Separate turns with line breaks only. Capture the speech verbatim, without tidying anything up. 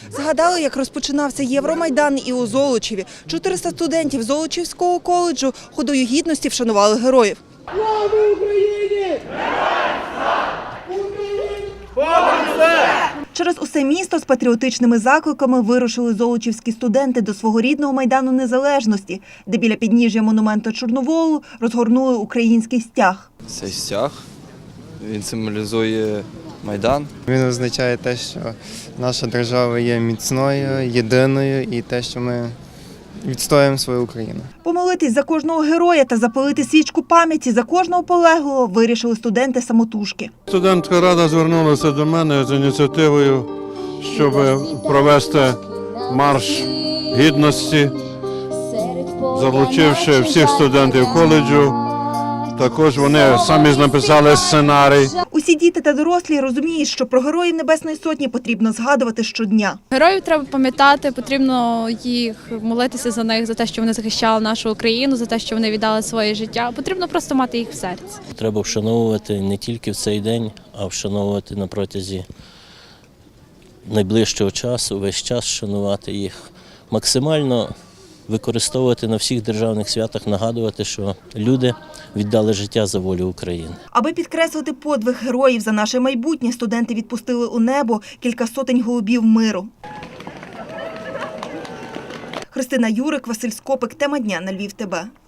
Згадали, як розпочинався Євромайдан і у Золочеві. чотириста студентів Золочівського коледжу ходою гідності вшанували героїв.
Слава Україні!
Через усе місто з патріотичними закликами вирушили золочівські студенти до свого рідного Майдану Незалежності, де біля підніжжя монументу Чорноволу розгорнули український стяг.
Цей стяг, він символізує Майдан.
Він означає те, що наша держава є міцною, єдиною і те, що ми відстоюємо свою Україну.
Помолитись за кожного героя та запалити свічку пам'яті за кожного полеглого вирішили студенти самотужки.
Студентська рада звернулася до мене з ініціативою, щоб провести марш гідності, залучивши всіх студентів коледжу. Також вони самі написали сценарій.
Усі діти та дорослі розуміють, що про героїв Небесної Сотні потрібно згадувати щодня.
Героїв треба пам'ятати, потрібно їх молитися за них, за те, що вони захищали нашу Україну, за те, що вони віддали своє життя. Потрібно просто мати їх в серці.
Треба вшановувати не тільки в цей день, а вшановувати на протязі найближчого часу, весь час вшанувати їх. Максимально використовувати на всіх державних святах, нагадувати, що люди віддали життя за волю України.
Аби підкреслити подвиг героїв за наше майбутнє, студенти відпустили у небо кілька сотень голубів миру. Христина Юрик, Василь Скопик. Тема дня на Львів ТБ.